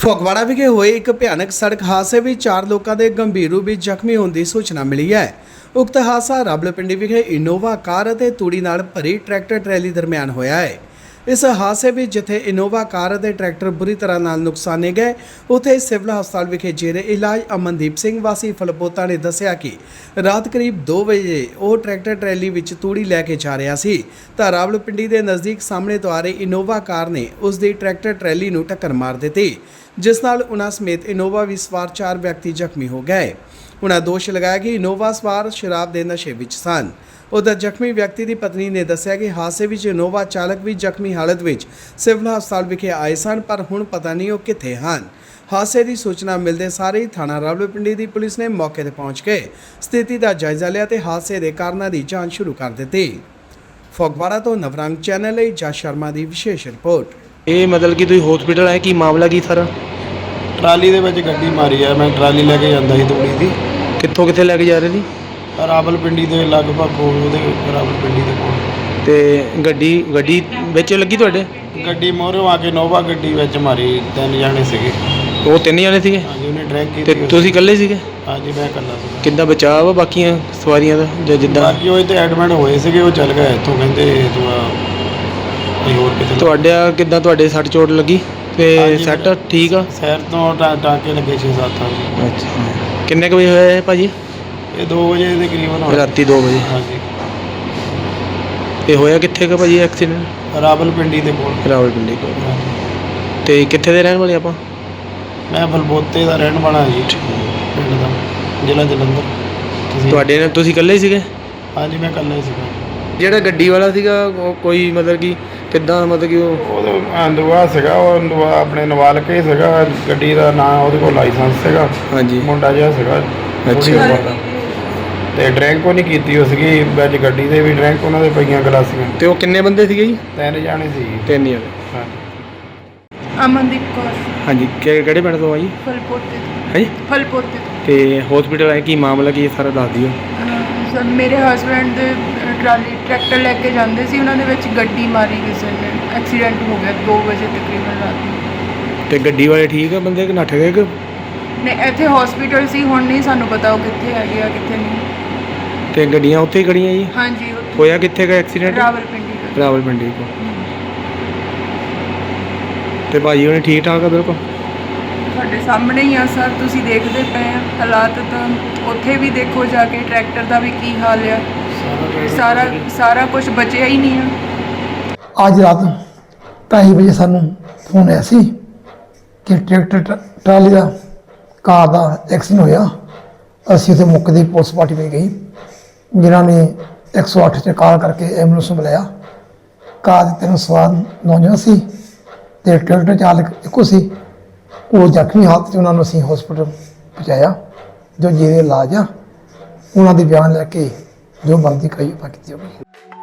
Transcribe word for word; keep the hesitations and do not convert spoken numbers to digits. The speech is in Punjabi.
ਫਗਵਾੜਾ ਵਿਖੇ ਹੋਏ ਇੱਕ ਭਿਆਨਕ ਸੜਕ ਹਾਦਸੇ ਵਿੱਚ ਚਾਰ ਲੋਕਾਂ ਦੇ ਗੰਭੀਰ ਰੂਪ ਵਿੱਚ ਜ਼ਖਮੀ ਹੋਣ ਦੀ ਸੂਚਨਾ ਮਿਲੀ ਹੈ। ਉਕਤ ਹਾਦਸਾ ਰਾਵਲਪਿੰਡੀ ਵਿਖੇ ਇਨੋਵਾ ਕਾਰ ਅਤੇ ਤੂੜੀ ਨਾਲ ਭਰੀ ਟਰੈਕਟਰ ਟਰੈਲੀ ਦਰਮਿਆਨ ਹੋਇਆ ਹੈ। ਇਸ ਹਾਦਸੇ ਵਿੱਚ ਜਿੱਥੇ ਇਨੋਵਾ ਕਾਰ ਅਤੇ ਟਰੈਕਟਰ ਬੁਰੀ ਤਰ੍ਹਾਂ ਨਾਲ ਨੁਕਸਾਨੇ ਗਏ, ਉੱਥੇ ਸਿਵਲ ਹਸਪਤਾਲ ਵਿਖੇ ਜੇਰੇ ਇਲਾਜ ਅਮਨਦੀਪ ਸਿੰਘ ਵਾਸੀ ਫਲਪੋਤਾ ਨੇ ਦੱਸਿਆ ਕਿ ਰਾਤ ਕਰੀਬ ਦੋ ਵਜੇ ਉਹ ਟਰੈਕਟਰ ਟਰੈਲੀ ਵਿੱਚ ਤੂੜੀ ਲੈ ਕੇ ਜਾ ਰਿਹਾ ਸੀ ਤਾਂ ਰਾਵਲਪਿੰਡੀ ਦੇ ਨਜ਼ਦੀਕ ਸਾਹਮਣੇ ਤੋਂ ਆ ਰਹੀ ਇਨੋਵਾ ਕਾਰ ਨੇ ਉਸ ਦੀ ਟਰੈਕਟਰ ਟਰੈਲੀ ਨੂੰ ਟੱਕਰ ਮਾਰ ਦਿੱਤੀ, ਜਿਸ ਨਾਲ ਉਨ੍ਹਾਂ ਸਮੇਤ ਇਨੋਵਾ ਵਿੱਚ ਸਵਾਰ ਚਾਰ ਵਿਅਕਤੀ ਜ਼ਖਮੀ ਹੋ ਗਏ। ਉਨ੍ਹਾਂ ਦੋਸ਼ ਲਗਾਇਆ ਕਿ ਇਨੋਵਾ ਸਵਾਰ ਸ਼ਰਾਬ ਦੇ ਨਸ਼ੇ ਵਿੱਚ ਸਨ। उधर ਜ਼ਖਮੀ ਵਿਅਕਤੀ ਦੀ ਪਤਨੀ ਨੇ ਦੱਸਿਆ ਕਿ ਹਾਦਸੇ ਵਿੱਚ ਇਨੋਵਾ ਚਾਲਕ ਵੀ ਜ਼ਖਮੀ ਹਾਲਤ ਵਿੱਚ ਸਿਵਲ ਹਸਪਤਾਲ ਵਿਖੇ ਆਏ ਸਨ, ਪਰ ਹੁਣ ਪਤਾ ਨਹੀਂ ਉਹ ਕਿੱਥੇ ਹਨ। ਹਾਦਸੇ ਦੀ ਸੂਚਨਾ ਮਿਲਦੇ ਸਾਰ ਹੀ ਥਾਣਾ ਰਾਵਲਪਿੰਡੀ ਦੀ ਪੁਲਿਸ ਨੇ ਮੌਕੇ ਤੇ ਪਹੁੰਚ ਕੇ ਸਥਿਤੀ ਦਾ ਜਾਇਜ਼ਾ ਲਿਆ ਤੇ ਹਾਦਸੇ ਦੇ ਕਾਰਨਾਂ ਦੀ ਜਾਂਚ ਸ਼ੁਰੂ ਕਰ ਦਿੱਤੀ। ਫਗਵਾੜਾ ਤੋਂ ਨਵਰੰਗ ਚੈਨਲ ਲਈ ਜਸ ਸ਼ਰਮਾ ਦੀ ਵਿਸ਼ੇਸ਼ ਰਿਪੋਰਟ। ਇਹ ਮਤਲਬ ਕਿ ਤੁਸੀਂ ਹਸਪੀਟਲ ਆਏ, ਕੀ ਮਾਮਲਾ ਕੀ ਸਾਰਾ? ਟਰਾਲੀ ਦੇ ਵਿੱਚ ਗੱਡੀ ਮਾਰੀ ਆ। ਮੈਂ ਟਰਾਲੀ ਲੈ ਕੇ ਜਾਂਦਾ ਸੀ ਤੂੜੀ ਦੀ। ਕਿੱਥੋਂ ਕਿੱਥੇ ਲੈ ਕੇ ਜਾ ਰਹੇ ਸੀ? ਰਾਵਲਪਿੰਡੀ ਦੇ ਲਗਭਗ ਕੋਲ, ਉਹਦੇ ਰਾਵਲਪਿੰਡੀ ਦੇ ਕੋਲ। ਤੇ ਗੱਡੀ ਗੱਡੀ ਵਿੱਚ ਲੱਗੀ ਤੁਹਾਡੇ? ਗੱਡੀ ਮੋਹਰੋਂ ਆ ਕੇ ਨੋਵਾ ਗੱਡੀ ਵਿੱਚ ਮਾਰੀ। ਤਿੰਨ ਜਾਣੇ ਸੀਗੇ। ਉਹ ਤਿੰਨ ਜਣੇ ਸੀਗੇ? ਹਾਂਜੀ, ਉਹਨੇ ਡਰੈਗ ਤੇ ਕੀਤੀ। ਤੁਸੀਂ ਇਕੱਲੇ ਸੀਗੇ? ਹਾਂਜੀ, ਮੈਂ ਇਕੱਲਾ ਸੀ। ਕਿੱਦਾਂ ਬਚਾਅ ਵਾ ਬਾਕੀਆਂ ਸਵਾਰੀਆਂ ਦਾ ਜਾਂ ਜਿੱਦਾਂ? ਬਾਕੀ ਉਹ ਇੱਥੇ ਐਡਮਿਟ ਹੋਏ ਸੀਗੇ, ਉਹ ਚੱਲ ਗਏ ਇੱਥੋਂ, ਕਹਿੰਦੇ ਤੂੰ ਕੋਈ ਹੋਰ ਕਿਤੇ। ਤੁਹਾਡਾ ਕਿੱਦਾਂ, ਤੁਹਾਡੇ ਸੱਟ ਚੋਟ ਲੱਗੀ ਤੇ ਸੱਟ ਠੀਕ ਆ? ਸ਼ਹਿਰ ਤੋਂ ਟਾ- ਟਾਂਕੇ ਲੱਗੇ ਛੇ ਸੱਤ। ਹਾਂਜੀ। ਅੱਛਾ, ਕਿੰਨੇ ਕੁ ਵਜੇ ਹੋਇਆ ਇਹ ਭਾਜੀ? ਇਹ ਦੋ ਵਜੇ ਦੇ ਕਰੀਬਨ ਹੋਇਆ। ਰਾਤੀ ਦੋ ਵਜੇ। ਹਾਂਜੀ। ਤੇ ਹੋਇਆ ਕਿੱਥੇ ਕੁ ਭਾਜੀ ਐਕਸੀਡੈਂਟ? ਰਾਵਲਪਿੰਡੀ ਦੇ ਕੋਲ। ਰਾਵਲਪਿੰਡੀ ਕੋਲ। ਹਾਂਜੀ। ਤੇ ਕਿੱਥੇ ਦੇ ਰਹਿਣ ਵਾਲੇ ਆਪਾਂ? ਮੈਂ ਫਲਬੋਤੇ ਦਾ ਰਹਿਣ ਵਾਲਾ ਜੀ, ਪਿੰਡ ਦਾ, ਜ਼ਿਲ੍ਹਾ ਜਲੰਧਰ। ਤੁਸੀਂ? ਤੁਹਾਡੇ ਨਾਲ ਤੁਸੀਂ ਇਕੱਲੇ ਹੀ ਸੀਗੇ? ਹਾਂਜੀ, ਮੈਂ ਇਕੱਲਾ ਹੀ ਸੀਗਾ। ਜਿਹੜਾ ਗੱਡੀ ਵਾਲਾ ਸੀਗਾ ਉਹ ਕੋਈ ਮਤਲਬ ਕਿ ਕਿੱਦਾਂ, ਮਤਲਬ ਕਿ ਉਹ ਉਹਦੇ ਅੰਦੂਆ ਸੀਗਾ, ਉਹ ਅੰਦੂਆ ਆਪਣੇ ਨਵਾਲ ਕੇ ਸੀਗਾ। ਗੱਡੀ ਦਾ ਨਾਂ, ਉਹਦੇ ਕੋਲ ਲਾਇਸੈਂਸ ਸੀਗਾ। ਹਾਂਜੀ। ਮੁੰਡਾ ਜਿਹਾ ਸੀਗਾ। ਅੱਛਾ। ਤੇ ਡਰਿੰਕ ਉਹ ਨਹੀਂ ਕੀਤੀ ਉਹ ਸੀਗੀ ਵਿੱਚ ਗੱਡੀ ਦੇ ਵੀ ਡਰਿੰਕ ਉਹਨਾਂ ਦੇ ਪਈਆਂ ਗਲਾਸੀਆਂ। ਤੇ ਉਹ ਕਿੰਨੇ ਬੰਦੇ ਸੀਗੇ ਜੀ? ਤਿੰਨ ਜਾਣੇ ਸੀ। ਤਿੰਨ ਜਣੇ। ਹਾਂਜੀ। ਅਮਨਦੀਪ ਕੌਰ। ਹਾਂਜੀ, ਕਿ- ਕਿਹੜੇ ਪਿੰਡ ਤੋਂ ਆ ਜੀ? ਫਲਪੋਤੇ ਤੋਂ। ਹਾਂਜੀ। ਫਲਪੋਤੇ ਤੋਂ। ਤੇ ਹਸਪੀਟਲ ਆਏ, ਕੀ ਮਾਮਲਾ ਕੀ ਹੈ ਸਾਰਾ ਦੱਸ ਦਿਓ। ਅਹ ਸਰ, ਮੇਰੇ ਹਸਬੈਂਡ ਦੇ ਅਹ, ਟਰਾਲੀ ਟਰੈਕਟਰ ਲੈ ਕੇ ਜਾਂਦੇ ਸੀ, ਉਹਨਾਂ ਦੇ ਵਿੱਚ ਗੱਡੀ ਮਾਰੀ ਕਿਸੇ ਨੇ। ਐਕਸੀਡੈਂਟ ਹੋ ਗਿਆ ਦੋ ਵਜੇ ਤਕਰੀਬਨ ਰਾਤ ਨੂੰ। ਤੇ ਗੱਡੀ ਵਾਲੇ ਠੀਕ ਆ ਬੰਦੇ ਕਿ ਨੱਠ ਗਏ ਕਿ? ਨੇ ਇੱਥੇ ਹਸਪੀਟਲ ਸੀ, ਹੁਣ ਨਹੀਂ ਸਾਨੂੰ ਪਤਾ ਉਹ ਕਿੱਥੇ ਹੈਗੇ ਆ ਕਿੱਥੇ ਨਹੀਂ। ਤੇ ਗੱਡੀਆਂ ਉੱਥੇ ਹੀ ਖੜੀਆਂ ਜੀ? ਹਾਂਜੀ, ਉੱਥੇ ਹੋਇਆ ਕਿੱਥੇ ਗਾ ਐਕਸੀਡੈਂਟ? ਰਾਵਲਪਿੰਡੀ ਦਾ। ਰਾਵਲਪਿੰਡੀ ਕੋਲ। ਤੇ ਭਾਜੀ ਉਹਨੇ ਠੀਕ ਠਾਕ ਆ ਬਿਲਕੁਲ? ਤੁਹਾਡੇ ਸਾਹਮਣੇ ਹੀ ਆ ਸਰ, ਤੁਸੀਂ ਦੇਖਦੇ ਪਏ ਆ ਹਾਲਾਤ। ਤਾਂ ਉੱਥੇ ਵੀ ਦੇਖੋ ਜਾ ਕੇ ਟਰੈਕਟਰ ਦਾ ਵੀ ਕੀ ਹਾਲ ਆ। ਸਾਰਾ ਸਾਰਾ ਕੁਝ ਬਚਿਆ ਹੀ ਨਹੀਂ ਆ। ਅੱਜ ਰਾਤ ਢਾਈ ਵਜੇ ਸਾਨੂੰ ਫੋਨ ਆਇਆ ਸੀ ਕਿ ਟਰੈਕਟਰ ਟ- ਟਰਾਲੀ ਦਾ ਕਾਰ ਦਾ ਐਕਸੀਡੈਂਟ ਹੋਇਆ। ਅਸੀਂ ਉੱਥੇ ਮੌਕੇ ਦੀ ਪੁਲਿਸ ਪਾਰਟੀ ਵਿੱਚ ਗਈ, ਜਿਨ੍ਹਾਂ ਨੇ ਇੱਕ ਸੌ ਅੱਠ 'ਤੇ ਕਾਲ ਕਰਕੇ ਐਂਬੂਲੈਂਸ ਨੂੰ ਬੁਲਾਇਆ। ਕਾਰ ਦੇ ਤਿੰਨ ਸਵਾਰ ਨੌਜਵਾਨ ਸੀ ਅਤੇ ਟਰੈਕਟਰ ਚਾਲਕ ਇੱਕੋ ਸੀ। ਉਹ ਜ਼ਖਮੀ ਹਾਲਤ 'ਚ ਉਹਨਾਂ ਨੂੰ ਅਸੀਂ ਹਸਪੀਟਲ ਪਹੁੰਚਾਇਆ, ਜੋ ਜਿਹਦੇ ਇਲਾਜ ਆ। ਉਹਨਾਂ ਦੇ ਬਿਆਨ ਲੈ ਕੇ ਜੋ ਬਣਦੀ ਕਾਰਵਾਈ ਕੀਤੀ ਜਾਊਗੀ।